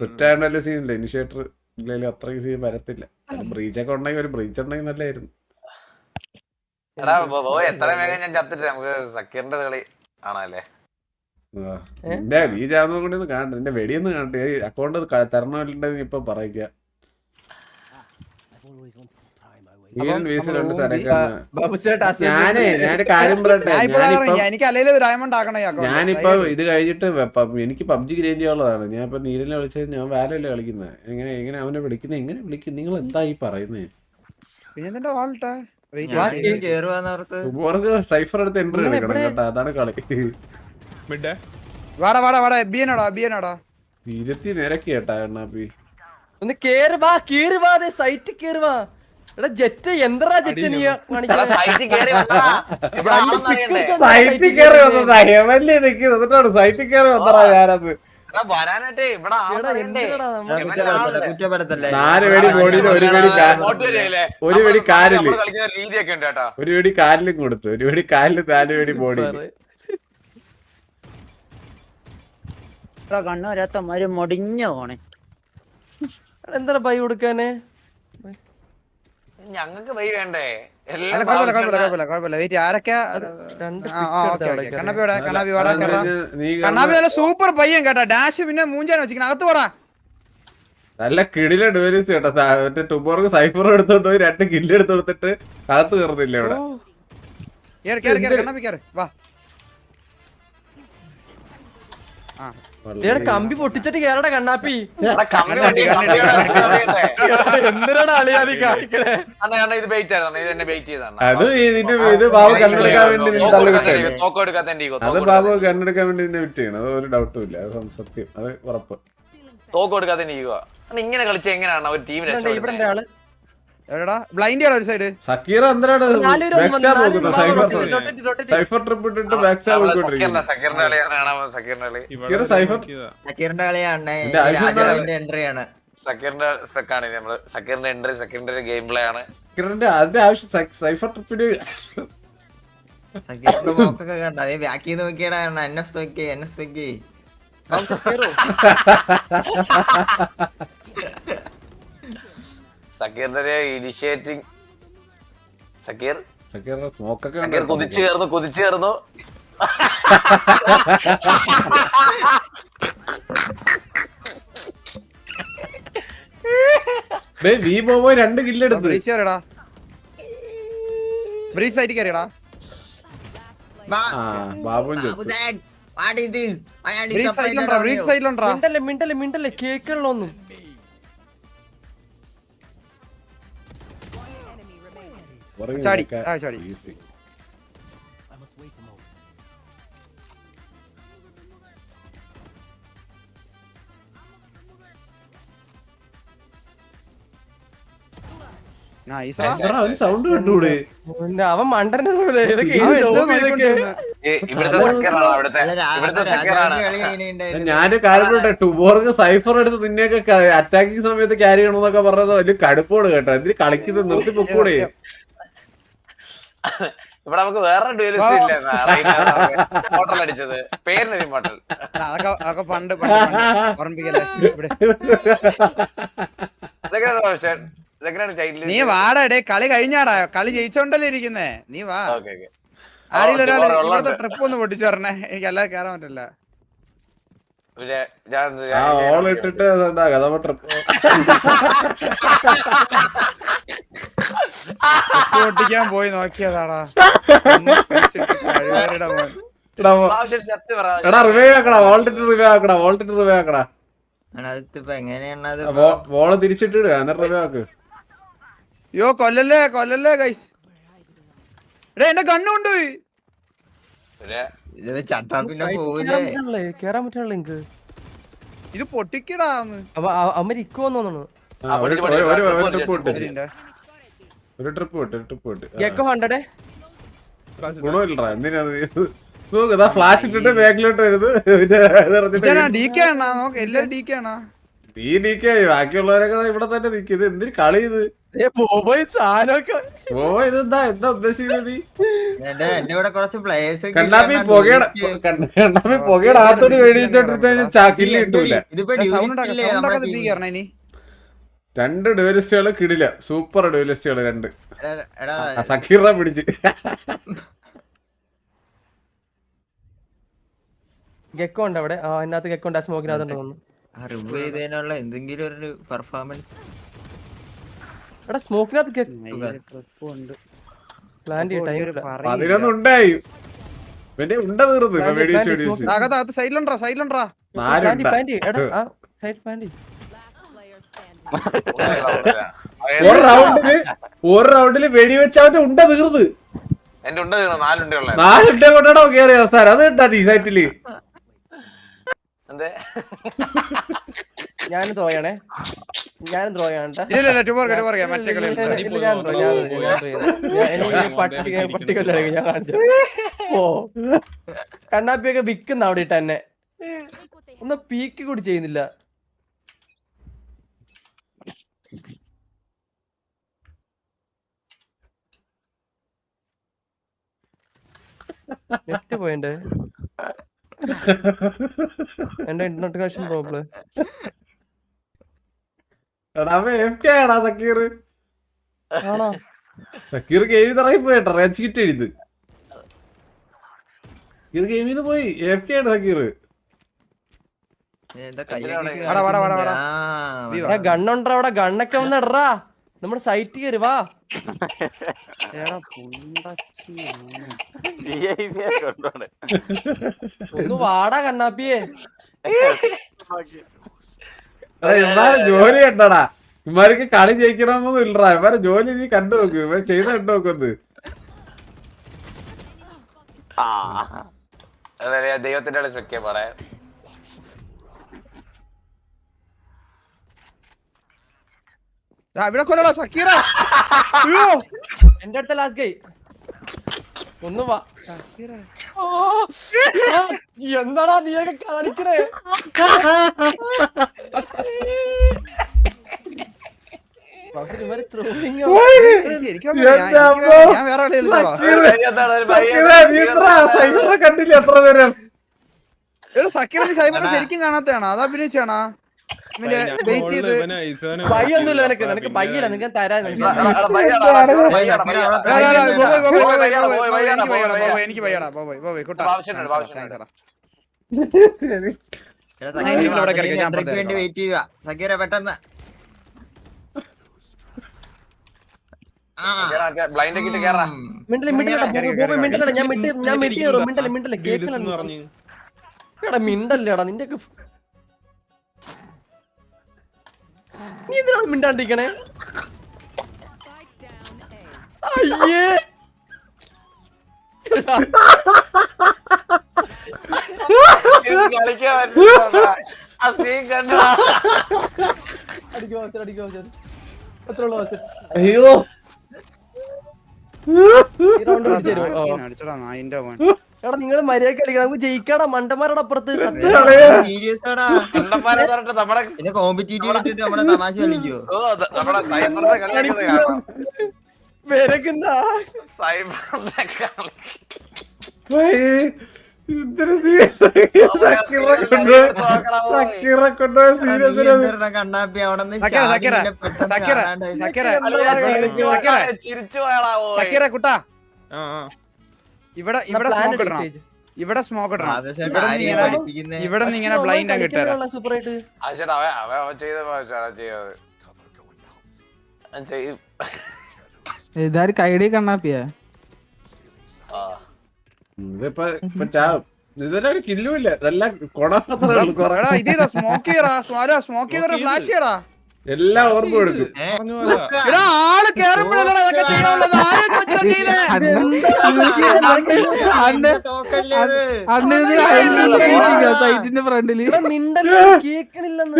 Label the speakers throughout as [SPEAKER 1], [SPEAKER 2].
[SPEAKER 1] ഒറ്റ സീനില്ല ഇനിഷ്യേറ്റർ ഇല്ലെങ്കിലും അത്രയ്ക്ക് സീൻ വരത്തില്ല. ബ്രീച്ചൊക്കെ ഉണ്ടെങ്കിൽ ഒരു ബ്രീച്ച് ഉണ്ടെങ്കിൽ നല്ലായിരുന്നു.
[SPEAKER 2] എടാ എത്ര വേഗം ഞാൻ ചത്തിട്ട് നമുക്ക് സക്കീറിന്റെ കളി ആണല്ലേ.
[SPEAKER 1] നീ ചാവുന്ന കൂടി ഒന്ന് കാണട്ടെ, നിന്റെ വെടിയൊന്ന് കാണട്ടെ. അക്കൗണ്ട് തരണമല്ലുണ്ടെന്ന് ഇപ്പൊ പറയിക്ക. ഞാനൊരു കാര്യം പറയട്ടെ, ഞാനിപ്പോ ഇത് കഴിഞ്ഞിട്ട് എനിക്ക് പബ്ജി ഗ്രൈൻഡ് ചെയ്യാനുള്ളതാണ്. ഞാൻ ഇപ്പൊ നീരനെ വിളിച്ചത് ഞാൻ വാലല്ലേ കളിക്കുന്നത്. എങ്ങനെ അവനെ വിളിക്കുന്നത്, എങ്ങനെ വിളിക്കും? നിങ്ങൾ എന്താ ഈ പറയുന്നേ? സൈഫർ എടുത്ത് എൻട്രി എടുക്കണം കേട്ടോ, അതാണ് കളി. ഇരുത്തി നിരക്കി കേട്ടാ എണ്ണാപ്പി.
[SPEAKER 3] ഒന്ന് കേറുവാ സൈറ്റ് കേറുവാ. എടാ ജെറ്റ് എന്തറാ ജെറ്റ് നീ
[SPEAKER 1] സൈറ്റിൽ കയറി വന്നതാ ഹെവൻലി നിൽക്കുന്നത്. എന്നിട്ടാണ് സൈറ്റിൽ കയറി വന്നതാ ഞാനത്. 4 വെടി ബോഡിയിൽ ഒരു വെടി കാലില്, ഒരു വെടി കാലിലും കൊടുത്തു, ഒരു വെടി കാലില് 4 വെടി ബോഡിയിൽ.
[SPEAKER 4] കണ്ണൂരത്തമാര് മുടിഞ്ഞു പോണേ.
[SPEAKER 3] എന്താ ബൈ കൊടുക്കാന്?
[SPEAKER 2] ഞങ്ങക്ക് വൈ വേണ്ടേ?
[SPEAKER 5] സൂപ്പർ പയ്യൻ കേട്ടാ. ഡാഷ് പിന്നെ മൂഞ്ചാൻ വെച്ചിരിക്കണ. അകത്ത് പോടാ.
[SPEAKER 1] നല്ല കിടില ഡുവലിസ് കേട്ടോ. മറ്റേ ടുബോർക്ക് സൈഫർ എടുത്തോണ്ട് പോയി 2 കില്ല് എടുത്ത് കൊടുത്തിട്ട് അകത്ത് കയറുന്നില്ല ഇവിടെ.
[SPEAKER 5] വാ
[SPEAKER 3] കമ്പി പൊട്ടിച്ചിട്ട് കേറടാ കണ്ണാപ്പി.
[SPEAKER 2] എന്തിനാണ് അളിയാതി കാണിക്കണേ? ഇത് ബെയിറ്റ് ആയിരുന്നു, ഇത് എന്നെ ബെയിറ്റ് ചെയ്താണ്.
[SPEAKER 1] അത് ഇത് ബാബു കണ്ണെടുക്കാൻ വേണ്ടി അത് ബാബു കണ്ണെടുക്കാൻ വേണ്ടി നിന്നെ വിറ്റ് ചെയ്യണം. അത് ഒരു ഡൗട്ടും ഇല്ല, അത് സത്യം, അത് ഉറപ്പ്.
[SPEAKER 2] തോക്ക് കൊടുക്കാതെ ഇങ്ങനെ കളിച്ച എങ്ങനെയാണ് ഒരു ടീം രക്ഷപ്പെടുന്നത്?
[SPEAKER 5] ബ്ലൈൻഡ് ഒരു സൈഡ്.
[SPEAKER 1] സക്കീർ എന്തിനാണ് സൈഫർ ട്രിപ്പ് ഇട്ടിട്ട് ബാക്ക് സ്റ്റാബ് നോക്കിക്കൊണ്ടിരിക്കുന്നത്?
[SPEAKER 4] സക്കീറിന്റെ കളിയാണ്, എൻട്രിയാണ്.
[SPEAKER 2] സക്കീറിന്റെ സ്പെക്കാണ് നമ്മള്. സക്കീറിന്റെ എൻട്രി, സക്കീറിന്റെ ഗെയിം പ്ലേ ആണ്.
[SPEAKER 1] സക്കീറിന്റെ ആദ്യ ആവശ്യം സൈഫർ ട്രിപ്പിന്
[SPEAKER 4] സക്കീറിന്റെ മോക്കൊക്കെ കണ്ട അതേ ബാക്ക് ചെയ്ത് നോക്കിയടാ. എന്നെ സ്പെക്ക്
[SPEAKER 2] സക്കീറിന്റെ ഇനിഷ്യേറ്റിംഗ്.
[SPEAKER 1] സക്കീറിന്റെ സ്മോക്കൊക്കെ
[SPEAKER 2] കുതിച്ചു കയറുന്നു.
[SPEAKER 1] വി ബോബോ 2 കില്ല് എടുത്തു. ബാബുവും
[SPEAKER 3] മിണ്ടല്ലേ കേക്കുള്ളൊന്നും.
[SPEAKER 5] ചാടി.
[SPEAKER 1] സൗണ്ട് കണ്ടൂടെ?
[SPEAKER 3] അവൻ മണ്ടനെ
[SPEAKER 1] ഞാന് കാര്യം ടുബോർക്ക് സൈഫർ എടുത്ത് നിന്നെയൊക്കെ അറ്റാക്കിങ് സമയത്ത് ക്യാരി ചെയ്യണമെന്നൊക്കെ പറഞ്ഞത് വലിയ കടുപ്പോട് കേട്ടോ. എന്തിന് കളിക്കുന്നത് നിർത്തി പൊക്കൂടെ?
[SPEAKER 2] ഇവിടെ നമുക്ക് വേറെ ഡ്യൂലിസ്റ്റ് ഇല്ല അടിച്ചത് പേരിന് മോട്ടൽ.
[SPEAKER 5] അതൊക്കെ പണ്ട് നീ വാടാ. കളി കഴിഞ്ഞാടാ, കളി ജയിച്ചോണ്ടല്ലേ ഇരിക്കുന്നേ. നീ വാ. ആരെങ്കിലും ഒരാൾ ഇവിടുത്തെ ട്രിപ്പ് ഒന്ന് പൊട്ടിച്ചു പറഞ്ഞേ, എനിക്ക് അല്ലാതെ കേറാൻ പറ്റില്ല.
[SPEAKER 1] ഇട്ടിട്ട്
[SPEAKER 5] പൊട്ടിക്കാൻ പോയി നോക്കിയതാടാ.
[SPEAKER 1] വോള് തിരിച്ചിട്ടിടുക എന്നിട്ട് റിവ്യൂ ആക്ക്.
[SPEAKER 5] യോ കൊല്ലല്ലേ ഗൈസ്. എന്റെ കണ്ണുകൊണ്ടുപോയി.
[SPEAKER 3] കേറാൻ പറ്റാനുള്ള എനിക്ക്
[SPEAKER 5] ഇത് പൊട്ടിക്കടാ.
[SPEAKER 3] അമ്മ ഇക്കുവന്നു തോന്നുന്നു.
[SPEAKER 1] ഒരു ട്രിപ്പ്
[SPEAKER 5] ഗുണമില്ലടാ.
[SPEAKER 1] എന്തിനാ ഫ്ലാഷ് ഇട്ടിട്ട് ബാക്കിലോട്ട് വരുന്നത്?
[SPEAKER 5] ഡി കെ ആണോ? എല്ലാരും ഡി കെ ആണോ?
[SPEAKER 1] നീ നീക്കായി ബാക്കിയുള്ളവരൊക്കെ ദാ ഇവിടെ തന്നെ നിക്കും. ഇത് എന്തിന് കളി ഇത്?
[SPEAKER 3] പോയി സാധനമൊക്കെ
[SPEAKER 1] ഓ ഇതെന്താ എന്താ ഉദ്ദേശിക്കുന്നത് നീ?
[SPEAKER 4] എന്റെ ഇവിടെ കുറച്ച് പ്ലേയേഴ്സ്
[SPEAKER 1] കണ്ണാപ്പി പുകയുടെ ആത്തോടി മേടിച്ചോണ്ടിരുന്ന ചാക്കില് കിട്ടൂല.
[SPEAKER 4] ഇതിപ്പോ
[SPEAKER 5] സൗണ്ട് ഇനി
[SPEAKER 1] 2 ഡ്യൂലിസ്റ്റുകള് കിടില, സൂപ്പർ ഡ്യൂലിസ്റ്റുകള് 2.
[SPEAKER 4] എടാ
[SPEAKER 1] സക്കീറ പിടിച്ച്
[SPEAKER 3] ഗെക്കോ ഉണ്ട് അവിടെ. അതിനകത്ത് ഗെക്കോ ഉണ്ട്. ആ സ്മോക്കിനകത്ത് തോന്നുന്നു.
[SPEAKER 4] റിമൂവ് ചെയ്തതിനുള്ള എന്തെങ്കിലും ഒരു പെർഫോമൻസ്.
[SPEAKER 3] എടാ സ്മോക്കിനകത്ത്
[SPEAKER 5] ട്രിപ്പ് ഉണ്ട്.
[SPEAKER 3] പ്ലാൻ ടൈം
[SPEAKER 1] 11 ഉണ്ടായി. പിന്നെ ഉണ്ട തീർന്നു ഇപ്പൊ വെടിവെച്ച് വെടിവെച്ച്.
[SPEAKER 5] അകത്ത് സൈഡിലുണ്ടാ
[SPEAKER 1] 4 ഉണ്ടാ. ഒരു റൗണ്ടില് വെടിവെച്ച് അവന്റെ ഉണ്ട തീർന്ന്.
[SPEAKER 2] എന്റെ ഉണ്ട് 4 ഉണ്ടുള്ള
[SPEAKER 1] 4 ഉണ്ട കൊണ്ടാണോ കേറിയ അവസാനം? അത് കിട്ടാ ഈ സൈറ്റില്.
[SPEAKER 2] എന്തേ
[SPEAKER 3] ഞാനും ത്രോയാണേ. ഞാനും ത്രോയാണ്. പട്ടികളിലേക്ക് ഞാൻ കാണിച്ചു. ഓ കണ്ണാപ്പിയൊക്കെ വിക്കുന്ന അവിടെ ഇട്ട് തന്നെ ഒന്ന് പീക്ക് കൂടി ചെയ്യുന്നില്ല. നെറ്റ് പോയിണ്ട്. എന്റെ ഇന്റർനെറ്റ് കണക്ഷൻ പ്രോബ്ലം. ആണോ?
[SPEAKER 1] സക്കീർ ഗെയിമിൽ ഇറങ്ങി പോയിട്ടോ. റേഞ്ച് കിറ്റ് എഴുത്. സക്കീർ ഗെയിമിൽ നിന്ന് പോയി. AFK ആണ് സക്കീർ.
[SPEAKER 3] ഗണ്ണുണ്ടോ അവിടെ? ഗണ്ണൊക്കെ വന്ന് ഇടറാ. നമ്മുടെ സൈറ്റ് കയറി വാ. ഒന്ന് വാടാ കണ്ണാപ്പിയെ.
[SPEAKER 1] ജോലി കണ്ടടാ. ഇമാർക്ക് കളി ജയിക്കണമെന്നൊന്നും ഇല്ലടാ. ഇവരെ ജോലി നീ കണ്ടു നോക്ക്. ഇവർ ചെയ്ത് കണ്ടു നോക്കുന്നത്.
[SPEAKER 2] ദൈവത്തിന്റെ കളി വെക്കാൻ പാടേ.
[SPEAKER 5] ഇവിടെ കൊല്ലടാ സക്കീറ.
[SPEAKER 3] എന്റെ അടുത്ത ലാസ്റ്റ് ഗൈ. ഒന്ന് വാ
[SPEAKER 5] സക്കീറ.
[SPEAKER 3] എന്താടാ നീയൊക്കെ കാണിക്കണേ?
[SPEAKER 5] ഞാൻ വേറെ
[SPEAKER 1] കണ്ടില്ല എത്ര നേരം.
[SPEAKER 5] സക്കീറ നീ സൈബറിനെ ശരിക്കും കാണാത്തയാണോ? അത് അഭിനയിച്ചാണോ? വെയിറ്റ് ചെയ്ത്
[SPEAKER 3] പയ്യൊന്നുമില്ല നിനക്ക്. നിനക്ക് പയ്യല്ല. നിനക്ക് തരാൻ
[SPEAKER 5] എനിക്ക് പയ്യടാ ബോബോയ് കുട്ടാ.
[SPEAKER 4] വേണ്ടി വെയിറ്റ് ചെയ്യുക സക്കീറ പെട്ടെന്ന്.
[SPEAKER 2] ബ്ലൈൻഡ് കിട്ടി കേറാ.
[SPEAKER 3] മിണ്ടല് ഞാൻ മിണ്ടല്ലേ കേക്കണ മിണ്ടല്ലേടാ നിന്റെ. നീ എന്തിനാണ് മിണ്ടാണ്ടിരിക്കണേ? അയ്യേ
[SPEAKER 2] കളിക്കാൻ പറ്റില്ല.
[SPEAKER 1] അയ്യോ
[SPEAKER 3] എടാ നിങ്ങള് മര്യാദ കളിക്കണം. നമുക്ക് ജയിക്കാടാ. മണ്ടന്മാരുടെ അപ്പുറത്ത്
[SPEAKER 4] സീരിയസ് ആടാ.
[SPEAKER 2] കണ്ടന്മാരെ പറഞ്ഞിട്ട് നമ്മുടെ
[SPEAKER 4] പിന്നെ കോമ്പറ്റീറ്റീവ് ഇട്ടിട്ട് നമ്മളെ തമാശ കളിക്കോ?
[SPEAKER 2] നമ്മുടെ സൈബറിന്റെ കളി
[SPEAKER 3] വിരക്കുന്ന
[SPEAKER 2] സൈബറിന്റെ കളി.
[SPEAKER 4] കണ്ണാപ്പി അവിടെ
[SPEAKER 2] ചിരിച്ചു പോയാടാ.
[SPEAKER 5] സക്കീറ കുട്ടാ ഇവിടെ സ്മോക്ക് ഇടണം. ഇവിടെ സ്മോക്ക് ഇടണം. ഇവിടെ നിന്ന് ഇങ്ങനെ ബ്ലൈൻഡ് ആക്കി ഇട്ടുതരാം.
[SPEAKER 3] സൂപ്പറായിട്ട്
[SPEAKER 2] അവൻ ചെയ്ത
[SPEAKER 6] ഇതാര് കൈഡി കണ്ണാപ്പിയാ?
[SPEAKER 1] ഇതൊരു കില്ലുമില്ല. ഇതെല്ലാം കൊട
[SPEAKER 5] സ്മോക്ക് ചെയ്യടാ. സ്മോക്ക് ചെയ്ത ഫ്ലാഷ് ചെയ്യടാ.
[SPEAKER 1] എല്ലാം ഓർമ്മ എടുക്കും.
[SPEAKER 5] ആള് കേറുമ്പോഴല്ലേ
[SPEAKER 6] സൈറ്റിന്റെ ഫ്രണ്ടില്
[SPEAKER 3] കേക്കണില്ലെന്ന്.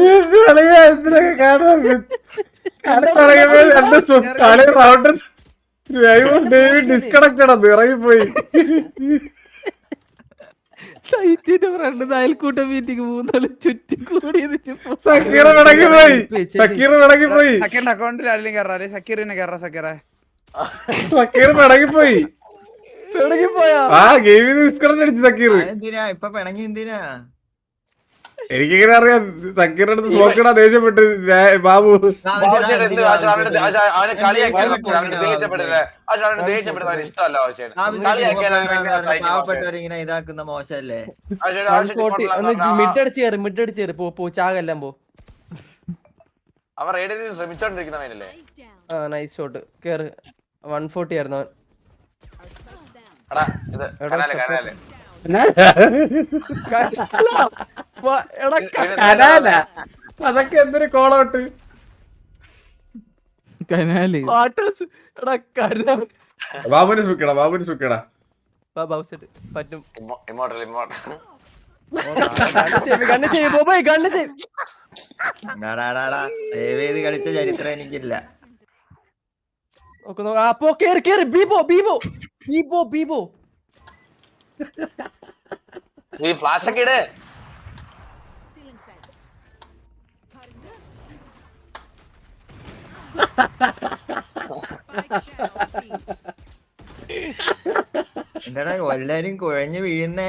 [SPEAKER 1] ഡിസ്കണക്റ്റഡ് ഇറങ്ങിപ്പോയി.
[SPEAKER 6] സൈറ്റിന്റെ ഫ്രണ്ട് അയൽക്കൂട്ട മീറ്റിംഗ് 3 ചുറ്റി കൂടി
[SPEAKER 1] സക്കീർ വിടങ്ങിപ്പോയി സക്കീർ വിടങ്ങിപ്പോയി
[SPEAKER 5] സക്കീറിന്റെ അക്കൗണ്ടിൽ ആരെങ്കിലും കയറാ സക്കീറിനെ കയറാ സക്കീറെ
[SPEAKER 1] സക്കീർ വിടങ്ങിപ്പോയി
[SPEAKER 3] പോയാ
[SPEAKER 1] ആ ഗെയിമിൽ ഡിസ്കണക്ട് അടിച്ചു സക്കീർ
[SPEAKER 4] എന്തിനാ ഇപ്പൊ പിണങ്ങി എന്തിനാ
[SPEAKER 1] എനിക്കിങ്ങനെ അറിയാം സക്കീറിന്റെ അടുത്ത് സ്മോക്കിടാ ദേഷ്യപ്പെട്ട് ബാബു
[SPEAKER 2] അവനെ കളിയാക്കിയാൽ ദേഷ്യപ്പെട്ടില്ല ദേഷ്യപ്പെടുന്ന ഇഷ്ടമല്ല ആവശ്യമാണ്
[SPEAKER 4] പാവപ്പെട്ടവരിങ്ങനെ ഇതാക്കുന്ന മോശല്ലേ
[SPEAKER 3] മിഡ് അടിച്ച് പോ ചാകെല്ലാം പോ.
[SPEAKER 2] അവൻ റെയ്ഡ് ചെയ്ത് ശ്രമിച്ചോണ്ടിരിക്കുന്നവനല്ലേ.
[SPEAKER 3] ആ നൈസ് ഷോട്ട് കേറ് 140 ആയിരുന്നു അവൻ.
[SPEAKER 2] എടാ ഇത് കനാല്
[SPEAKER 1] അതൊക്കെ എന്തൊരു കോളോട്ട്
[SPEAKER 6] കനാല്
[SPEAKER 1] ബാബുവിന് സ്പീക്കടാ ബാബുവിന് സ്പീക്കടാ
[SPEAKER 3] പറ്റും.
[SPEAKER 2] ഇമ്മോട്ടൽ
[SPEAKER 4] സേവ് ചെയ്ത് കളിച്ച ചരിത്രം എനിക്കില്ല.
[SPEAKER 2] ഈ ഫ്ലാഷ് ഒക്കെ ഇട്.
[SPEAKER 4] എന്താടാ എല്ലാരും കുഴഞ്ഞു വീഴുന്നേ?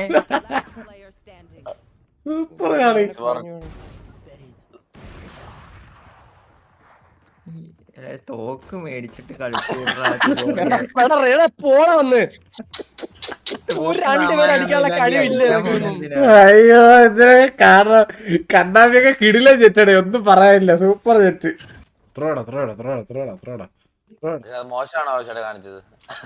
[SPEAKER 1] സൂപ്പർ കളി.
[SPEAKER 4] തോക്ക് മേടിച്ചിട്ട് കളിച്ചു
[SPEAKER 1] അയ്യോ എന്തിനാ കാരണം കണ്ണാമിയൊക്കെ കിടില ജെറ്റടേ ഒന്നും പറയാനില്ല. Super Jett.
[SPEAKER 2] മോശമാണ് ആവശ്യമായിട്ട് കാണിച്ചത്.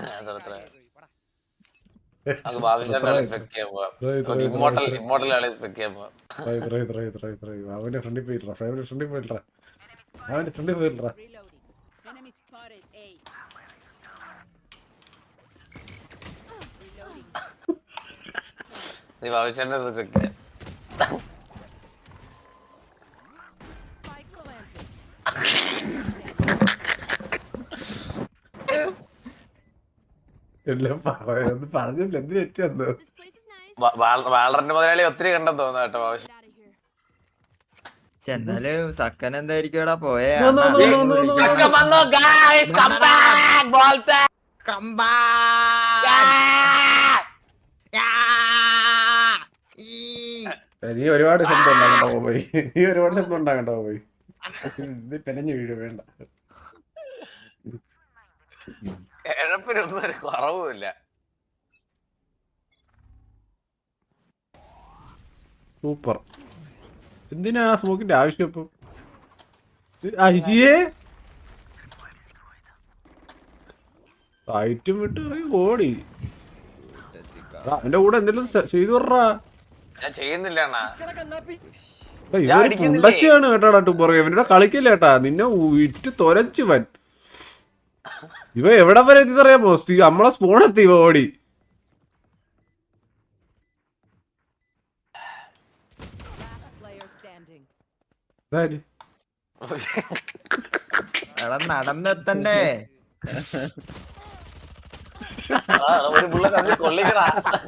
[SPEAKER 1] അവന്റെ ഫ്രണ്ടിൽ പോയിട്ടാ ഫ്രണ്ടിൽ പോയിട്ടാ അവന്റെ ഫ്രണ്ടിൽ പോയിട്ടാ.
[SPEAKER 2] നീ ഭവിഷ്യന്റെ റിസ്പെക്ട്
[SPEAKER 1] എല്ലാം പറഞ്ഞില്ല എന്ത് തെറ്റിയെന്ന്.
[SPEAKER 2] വാളറിന്റെ മുതലാളി ഒത്തിരി കണ്ടെന്ന് തോന്നുന്നു കേട്ടോ ഭവിഷ്യ.
[SPEAKER 4] എന്നാലും സക്കൻ എന്തായിരിക്കും ഇവിടെ പോയേ?
[SPEAKER 1] നീ ഒരുപാട് ശബ്ദം ഉണ്ടാകണ്ടോ പോയി. നീ ഒരുപാട് ശബ്ദം ഉണ്ടാകണ്ടോ പോയി. ഇത് പെനഞ്ഞു വീഴ വേണ്ട.
[SPEAKER 2] എഴപ്പിനൊന്നും ഒരു കുറവുമില്ല.
[SPEAKER 1] സൂപ്പർ. എന്തിനാ സ്മോക്കിന്റെ ആവശ്യം ഇപ്പൊ? അയ്യേ ഐറ്റം വിട്ട് ഓടി. അവന്റെ കൂടെ എന്തെങ്കിലും ചെയ്തു വിടറാ.
[SPEAKER 2] ഞാൻ ചെയ്യുന്നില്ല അണ്ണാ.
[SPEAKER 1] ഇവര് പുണ്ടച്ചിയാണ് കേട്ടാടാ ടൂബർ. ഇവരുടെ കളിക്കില്ല കേട്ടാ. നിന്നെ ഇറ്റ് തൊരച്ചുവൻ. ഇവ എവിടെ വരെ എത്തിയറിയാമോ? നമ്മളെ സ്പോണെത്തി ഇവ ഓടി.
[SPEAKER 4] നടന്നെത്തണ്ടേ?
[SPEAKER 2] ഒരു പുള്ള തമ്മിൽ കൊള്ളിക്കടാ.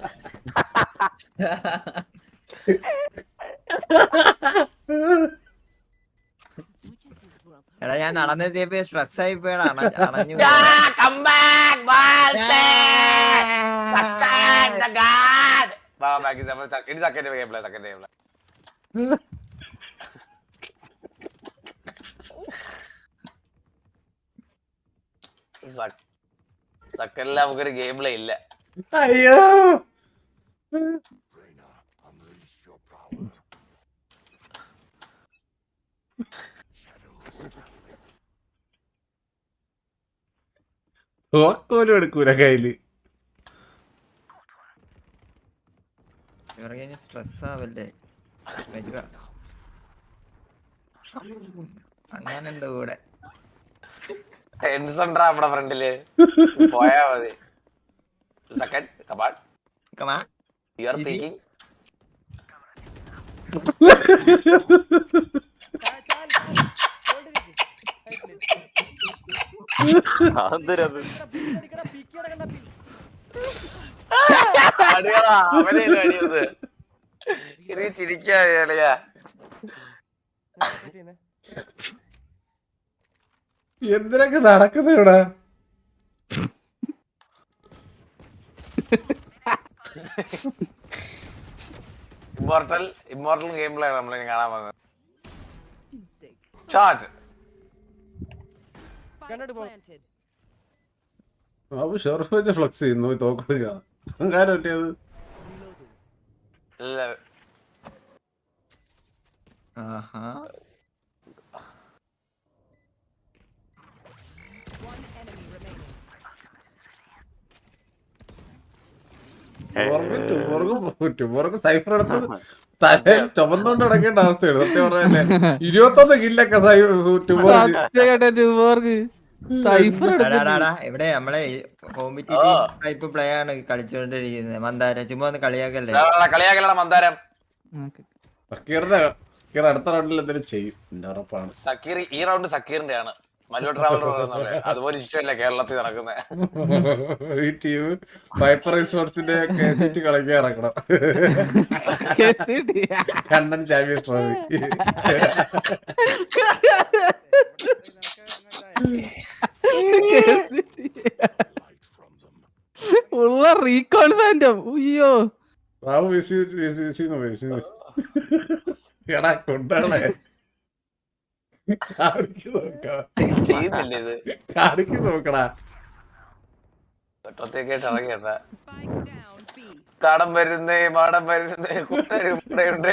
[SPEAKER 4] എടാ ഞാൻ നടന്നെത്തിയപ്പോ സ്ട്രെസ് ആയി പോയടാ. അണഞ്ഞു
[SPEAKER 2] സക്കല്ല നമുക്കൊരു ഗെയിം പ്ലേ ഇല്ല.
[SPEAKER 1] അയ്യോ തോക്കോലും എടുക്കൂല കയ്യില്.
[SPEAKER 4] സ്ട്രെസ് ആവല്ലേ? അങ്ങനെന്താ കൂടെ
[SPEAKER 2] ടെൻസണ്ടാ നമ്മുടെ ഫ്രണ്ടില്. പോയാ മതി. Second come on you are peeking. അവനെ അടിയത് നീ ചിരിക്കാ
[SPEAKER 1] എന്തിനൊക്കെ നടക്കുന്നത് ഇവിടെ?
[SPEAKER 2] ഇമ്മോർട്ടൽ ഗെയിം പ്ലേ ആണ് നമ്മൾ കാണാൻ വന്നത്. ഷോട്ട്
[SPEAKER 1] ബാബു ഷെർഫ് വെച്ച് ഫ്ലക്സ് ചെയ്യുന്നു, തോക്കെടുക്കുക. അഹങ്കാരം പറ്റിയത്.
[SPEAKER 2] ഇല്ല
[SPEAKER 4] ആഹാ
[SPEAKER 1] ട്യൂബർക്ക് സൈഫർ എടുത്തത് തലയിൽ ചുമന്നുകൊണ്ട് നടക്കേണ്ട അവസ്ഥയാണ് സത്യം പറയാനേ. 21 കില്ലൊക്കെ ട്യൂബർക്ക്.
[SPEAKER 4] ഇവിടെ നമ്മളെ കോമ്പറ്റീറ്റീവ് ടൈപ്പ് പ്ലേ ആണ് കളിച്ചുകൊണ്ടിരിക്കുന്നത്. മന്ദാരം ചുമ്മാ ഒന്ന് കളിയാക്കല്ലേ.
[SPEAKER 2] കളിയാക്കലട മന്ദാരം.
[SPEAKER 1] സക്കീറിന്റെ അടുത്ത റൗണ്ടിൽ എന്തെങ്കിലും ചെയ്യും എന്റെ ഉറപ്പാണ്.
[SPEAKER 2] സക്കീർ ഈ റൗണ്ട് സക്കീറിന്റെ ആണ്. മല്ലു ട്രാവലർ അതുപോലെ ഇഷ്ടമല്ല കേരളത്തിൽ നടക്കുന്നത്.
[SPEAKER 1] ഈ ടീം വൈപ്പർ റിസോർട്സിന്റെ കളിക്കാൻ ഇറക്കണം. Kannan champions trophy.
[SPEAKER 6] ഉള്ള റീകോൾ ഫാൻറ്റം. അയ്യോ
[SPEAKER 1] ബാബു എടാ കൊണ്ടാളെ
[SPEAKER 2] ചെയ്യുന്നില്ല ഇത്.
[SPEAKER 1] കാണിക്ക് നോക്കടാ.
[SPEAKER 2] ഒറ്റത്തേക്കായിട്ട് ഇറങ്ങിയണ്ട. കാടം വരുന്നേ മാടം വരുന്നേ കൂട്ടുകാരുണ്ടേ.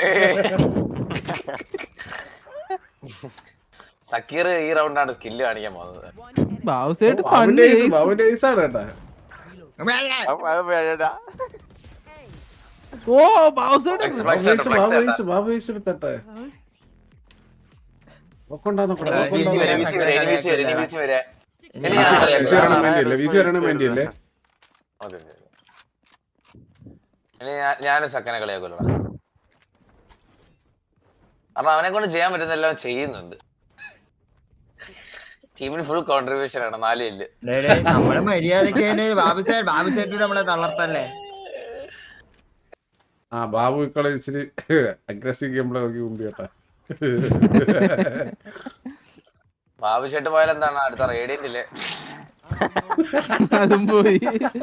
[SPEAKER 2] സക്കീർ ഈ റൗണ്ടാണ് സ്കില്ല് കാണിക്കാൻ പോകുന്നത്.
[SPEAKER 6] ബാബുസേട്ട്
[SPEAKER 1] ബാബുന്റെ ഐസാണ് കേട്ടാ.
[SPEAKER 6] ഓ ബാബുസേട്ട്
[SPEAKER 1] ബാബു ഐസ് എടുത്തട്ടെ.
[SPEAKER 2] ഞാനും സക്കനെ കളിയാക്കുമല്ലോ. അപ്പൊ അവനെ കൊണ്ട് ചെയ്യാൻ പറ്റുന്നെല്ലാം ചെയ്യുന്നുണ്ട്. ടീമിന് ഫുൾ കോൺട്രിബ്യൂഷൻ ആണ്. 4 കില്ല്.
[SPEAKER 4] നമ്മള് മര്യാദക്ക് ബാബുസേട്ടൂടെ നമ്മളെ തളർത്തല്ലേ.
[SPEAKER 1] ആ ബാബു ഇക്കളെ ഇച്ചിരി അഗ്രസീവ് ഗെയിം പ്ലേ നോക്കി മുമ്പ് കേട്ടാ.
[SPEAKER 2] ബാബു ചേട്ട് പോയാൽ എന്താണ് അടുത്ത റേഡിയന്റ് ഇല്ലേ?
[SPEAKER 6] അതും പോയി.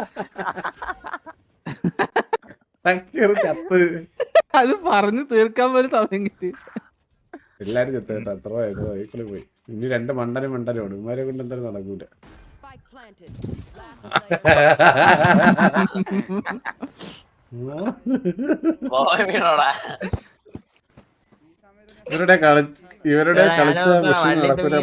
[SPEAKER 6] അത് പറഞ്ഞു തീർക്കാൻ പോലും സമയം കിട്ടി.
[SPEAKER 1] എല്ലാരും ചെത്ത കേട്ടോ. അത്ര വൈക്കളി പോയി. ഇനി 2 മണ്ടനും ഉണ്ട്. ഇമാരെ കൊണ്ട് എന്തായാലും നടക്കൂല. ഇവരുടെ കളിച്ച നടക്കൂല.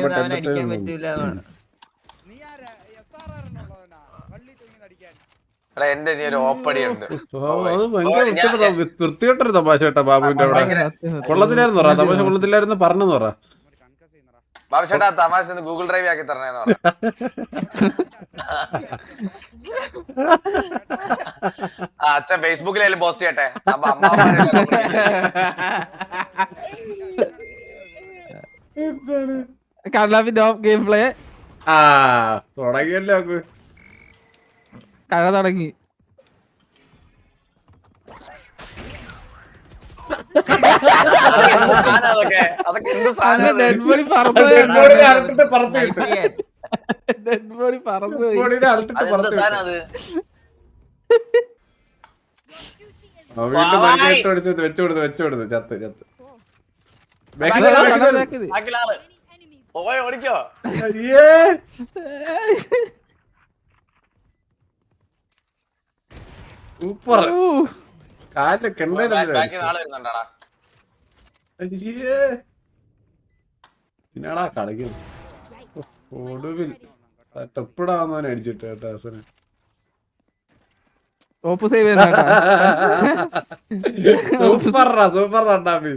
[SPEAKER 2] എന്റെ ഇനി ഒരു ഓപ്പടി ഉണ്ട്.
[SPEAKER 1] അത് ഭയങ്കര വൃത്തികെട്ടൊരു തമാശ കേട്ടാ ബാബുവിന്റെ അവിടെ. കൊള്ളത്തില്ലായിരുന്നു പറ തമാശ. കൊള്ളത്തില്ലായിരുന്നു പറഞ്ഞെന്ന് പറ.
[SPEAKER 2] ബാബു ചേട്ടാ തമാശ ഗൂഗിൾ ഡ്രൈവ് ആക്കി തരണേന്ന് പറ. അച്ഛൻ ഫേസ്ബുക്കിലായാലും പോസ്റ്റ് ചെയ്യട്ടെ. അപ്പൊ
[SPEAKER 6] കണ്ണാപ്പിന്റെ ഗെയിം പ്ലേ
[SPEAKER 1] തുടങ്ങിയല്ലോ.
[SPEAKER 6] കഴ തുടങ്ങി.
[SPEAKER 2] അതൊക്കെ എന്ത് സാധനം?
[SPEAKER 6] ഡെഡ് ബോഡി പറന്നു.
[SPEAKER 1] വെച്ചുകൊടുത്ത് ചത്ത്
[SPEAKER 2] ഓടിക്കോ.
[SPEAKER 1] സൂപ്പർ. കാലില് കെണ്ടടാ. കളിക്കുന്നു. ഒടുവിൽ ടെപ്പിടാവുന്നവനെ അടിച്ചിട്ട് കേട്ടോ ഹസന്.
[SPEAKER 6] ഓപ്പ് സേവ്
[SPEAKER 1] സൂപ്പർ രണ്ടാമി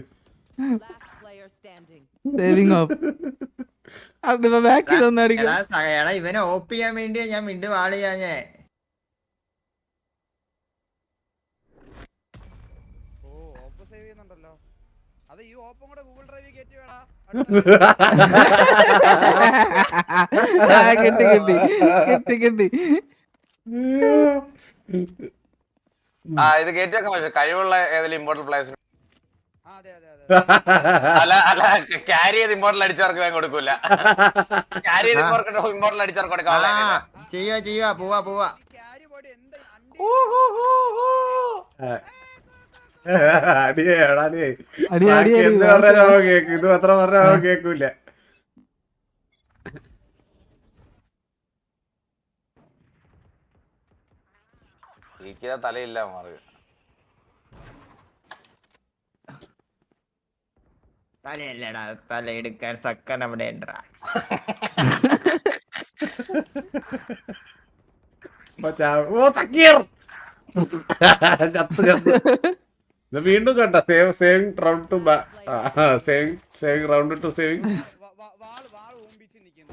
[SPEAKER 6] സേവിങ് ഓപ്പ്. ബാക്ക് ചെയ്തൊന്നടിക്കും.
[SPEAKER 4] ഇവനെ ഓപ്പ് ചെയ്യാൻ വേണ്ടിയാ ഞാൻ വീണ്ടും ആള് ചെയ്യാഞ്ഞേ.
[SPEAKER 6] കിട്ടി.
[SPEAKER 2] ഇത് കയറ്റി വെക്കാൻ പറ്റും. കഴിവുള്ള ഏതെങ്കിലും ഇമ്പോർട്ടന്റ് പ്ലേയേഴ്സിന്
[SPEAKER 5] അതെ അതെ അതെ
[SPEAKER 2] അല്ല ക്യാരി ചെയ്ത് ഇമ്പോർട്ടൽ അടിച്ചവർക്ക് വേഗം കൊടുക്കൂല. ക്യാരി ചെയ്ത് ഇമ്പോർട്ടൽ അടിച്ചവർക്ക് കൊടുക്കാം.
[SPEAKER 4] ചെയ്യുവാ പോവാ
[SPEAKER 5] ക്യാരി ബോഡി എന്താ
[SPEAKER 1] അടിയേടാ
[SPEAKER 6] അടി, അടി, അടി.
[SPEAKER 1] എന്ത് പറഞ്ഞാലും അവൻ കേക്കും. ഇത് അത്ര പറഞ്ഞാൽ അവൻ കേക്കൂല.
[SPEAKER 2] തലയില്ല മാറി.
[SPEAKER 4] തലയല്ലടാ തല എടുക്കാൻ സക്കൻ അവിടെ ഉണ്ടാ.
[SPEAKER 1] ഓ സക്കീർ ചത്ത് ഇത് വീണ്ടും കണ്ട saving round two saving round two saving.
[SPEAKER 5] വാള് ഓമ്പിച്ച് നിക്കുന്നു.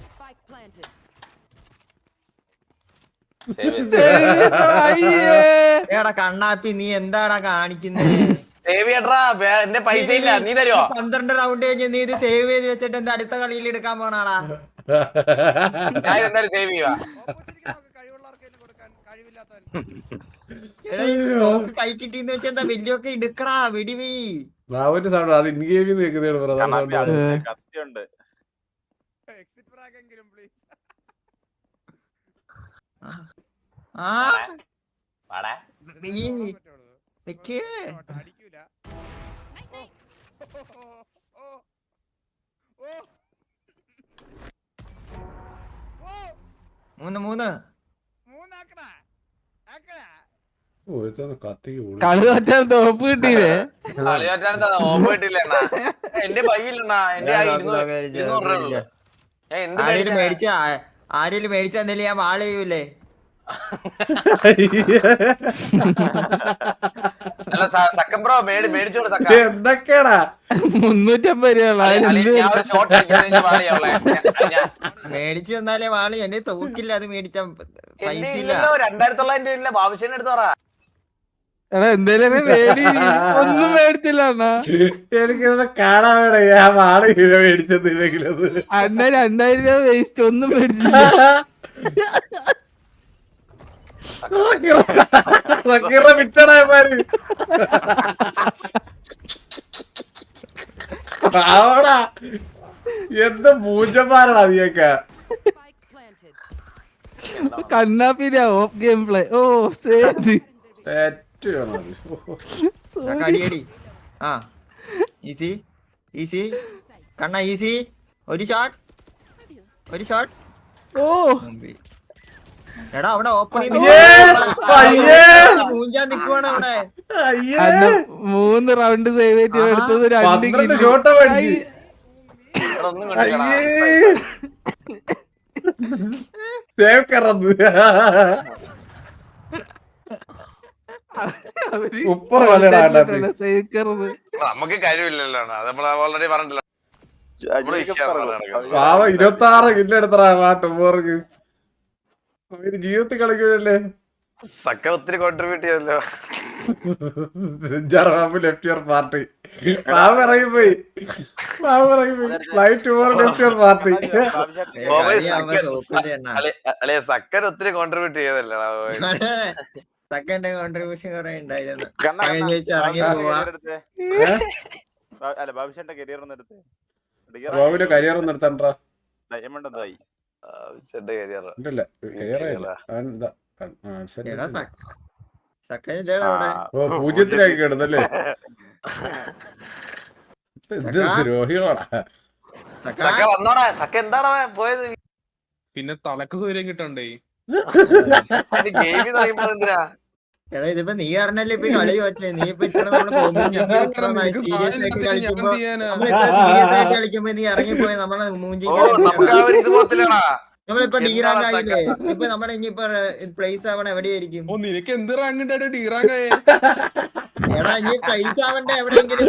[SPEAKER 4] എടാ കണ്ണാപ്പി നീ എന്താടാ കാണിക്കുന്നത്?
[SPEAKER 2] എന്റെ പൈസ ഇല്ല, നീ തരുമോ?
[SPEAKER 4] 12 റൗണ്ട് കഴിഞ്ഞ് നീ ഇത് സേവ് ചെയ്ത് വെച്ചിട്ട് എന്താ അടുത്ത കളിയിൽ എടുക്കാൻ പോണാടാ?
[SPEAKER 2] ഞാൻ എന്തായാലും സേവ് ചെയ്യുക.
[SPEAKER 5] കഴിവുള്ളവർക്കെല്ലാം കൊടുക്കാൻ കഴിവില്ലാത്തവൻ.
[SPEAKER 4] എടാ ഈ തോക്ക് കൈ കിട്ടിന്ന് വെച്ചാ എന്താ വലിയൊക്കെ എടുക്കടാ വെടിവീ.
[SPEAKER 1] ബാബുവിന്റെ സൗണ്ട് അത് ഇൻ ഗെയിമിൽ നിൽക്കുന്നതാണ്
[SPEAKER 7] കത്തിയുണ്ട്.
[SPEAKER 5] എക്സിറ്റ് ഫ്രാഗ് എങ്കിലും പ്ലീസ്.
[SPEAKER 4] ആ
[SPEAKER 2] വാടാ.
[SPEAKER 4] നീ നിക്ക്.
[SPEAKER 5] അടിക്കൂല.
[SPEAKER 4] മൂന്ന്
[SPEAKER 5] മൂന്നാക്കണ
[SPEAKER 1] കത്തിക്ക്
[SPEAKER 6] കളി പറ്റാൻ തോപ്പ് കിട്ടിയില്ലേ?
[SPEAKER 2] കളി പറ്റാൻ ഓപ്പ് കിട്ടില്ല അണ്ണാ. എന്റെ പയ്യില്ലണ്ണാ. എന്റെ
[SPEAKER 4] ആരേലും മേടിച്ച എന്തേലും ഞാൻ വാള് ചെയ്യൂലേ?
[SPEAKER 2] അല്ല സക്കൻ ബ്രോ മേടിച്ചോട് സക്ക.
[SPEAKER 1] എന്തൊക്കെയാടാ
[SPEAKER 6] 350 രൂപ.
[SPEAKER 2] ഞാൻ ഒരു ഷോട്ട്
[SPEAKER 4] മേടിച്ചു തന്നാലേ വാള്. എന്നെ തോക്കില്ല അത് മേടിച്ചാ പൈസ ഇല്ല.
[SPEAKER 2] 2900 ഇല്ല. ബാബുശേനെ എടുത്ത് പറ.
[SPEAKER 6] എടാ എന്തേലും മേടി. ഒന്നും മേടിച്ചില്ല അണ്ണാ.
[SPEAKER 1] എനിക്കിത് കാണാൻ വേണേ ആ വാള മേടിച്ചതില്ലെങ്കിലത്
[SPEAKER 6] അണ്ണ 2000 രൂപ വേസ്റ്റ്. ഒന്നും മേടിച്ചില്ല.
[SPEAKER 1] വിട്ടടാമാര് ആവടാ. എന്ത് പൂജമാരാടാ നീയൊക്കെ.
[SPEAKER 6] കണ്ണാപ്പിന്റെ ഓഫ് ഗെയിം പ്ലേ. ഓ സേത്
[SPEAKER 4] കടിയടി. ആ ഈസി ഈസി കണ്ണ ഈസി. ഒരു ഷോട്ട്.
[SPEAKER 6] ഓ
[SPEAKER 4] എടാ അവിടെ ഓപ്പൺ മൂഞ്ചാൻ നിക്കുവാണ് അവിടെ.
[SPEAKER 6] അണ്ണ 3 റൗണ്ട് സേവ് ചെയ്ത് എടുത്തത് 2
[SPEAKER 1] ഷോട്ട
[SPEAKER 2] ഒന്നും കണ്ടില്ല.
[SPEAKER 1] സേവ് കറന്ന് ഉപ്പറ വലടാ.
[SPEAKER 2] നമുക്ക് കഴിവില്ലല്ലോ. അത് നമ്മൾ ഓൾറെഡി പറഞ്ഞില്ല.
[SPEAKER 1] പാവ 26 കില്ല് എടുത്തറാ ടൂബോർക്ക്. ജീവിതത്തിൽ കളിക്കൂലല്ലേ.
[SPEAKER 2] സക്ക ഒത്തിരി കോൺട്രിബ്യൂട്ട് ചെയ്തല്ലോ.
[SPEAKER 1] ലെഫ്റ്റ് ഇയർ പാർട്ടി പാവ ഇറങ്ങിപ്പോയി. Flight over left ear party.
[SPEAKER 2] അല്ലെ സക്കൻ ഒത്തിരി കോൺട്രിബ്യൂട്ട് ചെയ്തല്ലോ.
[SPEAKER 4] സെക്കൻഡ് കോൺട്രിബ്യൂഷൻ കുറെ ഉണ്ടായിരുന്നു.
[SPEAKER 7] ഇറങ്ങി പോവാ. അല്ല ബാബുശേന്റെ കരിയർ ഒന്ന് എടുത്ത്.
[SPEAKER 1] ബാബുവിന്റെ കരിയർ ഒന്ന് എടുത്താ.
[SPEAKER 7] ഡയമണ്ട് എന്തായി?
[SPEAKER 1] പൂജ്യത്തിലാക്കി കിടന്നല്ലേ. ദ്രോഹികളാടാ.
[SPEAKER 2] വന്നോടാ. സക്ക എന്താടാ പോയത്?
[SPEAKER 8] പിന്നെ തലക്ക് സൂര്യം കിട്ടണ്ടേ.
[SPEAKER 2] ഗെയിമിൽ പറയുമ്പോ എന്തിനാ?
[SPEAKER 4] എടാ ഇതിപ്പോ നീ അറിഞ്ഞല്ലേ ഇപ്പൊ കളി പറ്റേ. നീ ഇപ്പൊ സീരിയസ് ആയിട്ട് കളിക്കുമ്പോ നീ ഇറങ്ങിപ്പോയി നമ്മളെ മൂഞ്ചി. നമ്മളിപ്പോ ഡി റാങ്ക് ആയില്ലേ? ഇപ്പൊ നമ്മുടെ ഇനിയിപ്പോ പ്ലേസ് ആവണ എവിടെയായിരിക്കും?
[SPEAKER 8] നിനക്ക് എന്ത് റാങ്ക് ഉണ്ടായിട്ട് ഡി റാങ്ക് ആയേ?
[SPEAKER 4] എടാ ഇനി പ്ലേസ് ആവണ്ട എവിടെയെങ്കിലും.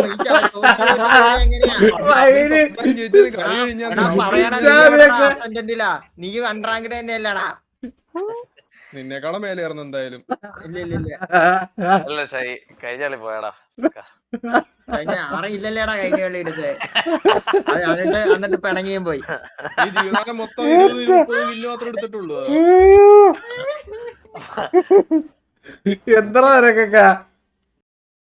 [SPEAKER 4] നീ അൺറാങ്കഡ് തന്നെയല്ലടാ.
[SPEAKER 8] നിന്നെക്കാളും മേലെയായിരുന്നു എന്തായാലും.
[SPEAKER 2] അല്ല ശരി കഴിഞ്ഞാളി പോയടാ.
[SPEAKER 4] ആറില്ലല്ലേടാ കഴിഞ്ഞ കളി എടുത്ത്. എന്നിട്ട് പിണങ്ങിയും പോയി.
[SPEAKER 8] ഈ ജീവിതകാലം മൊത്തം 20-30 കില്ല് മാത്രം എടുത്തിട്ടുള്ളൂ.
[SPEAKER 1] എന്താ നിനക്കൊക്കെ